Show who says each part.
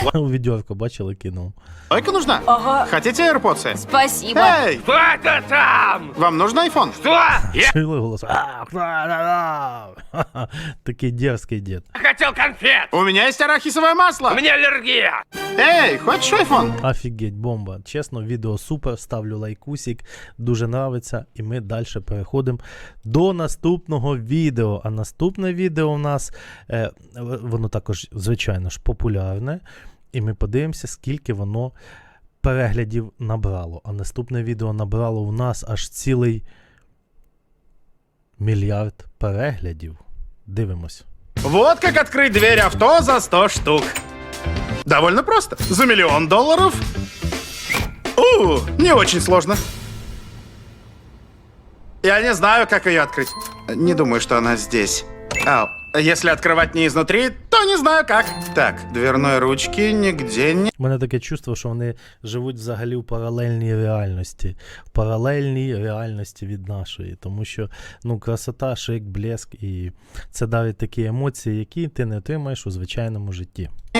Speaker 1: У відьорку, бачили, кинув.
Speaker 2: Лайка нужна?
Speaker 3: Ага.
Speaker 2: Хотите AirPods?
Speaker 3: Спасибо.
Speaker 2: Эй,
Speaker 4: Кто это там?
Speaker 2: вам нужен iPhone?
Speaker 4: Что? Я
Speaker 1: Чули голос? Такий дерзкий дід.
Speaker 4: хотел конфет.
Speaker 2: У меня есть арахисовое масло.
Speaker 4: У меня аллергия.
Speaker 2: Эй, хочешь iPhone?
Speaker 1: Офігеть, бомба. Чесно, відео супер, ставлю лайкусик, дуже нравиться, і ми далі переходимо до наступного відео. А наступне відео у нас, воно також, звичайно ж, популярне, і ми подивимося, скільки воно переглядів набрало. А наступне відео набрало у нас аж цілий 1 мільярд переглядів. Дивимось.
Speaker 2: Вот как открыть дверь авто за 100 штук. Довольно просто. За $1 миллион. Не очень сложно. Я не знаю, как ее открыть. Не думаю, что она здесь. Если открывать не изнутри, то не знаю как. Так, дверной ручки нигде не...
Speaker 1: У мене таке чувство, що вони живуть взагалі в паралельній реальності. В паралельній реальності від нашої. Тому що, ну, красота, шик, блеск, і це дарить такі емоції, які ти не отримаєш у звичайному житті.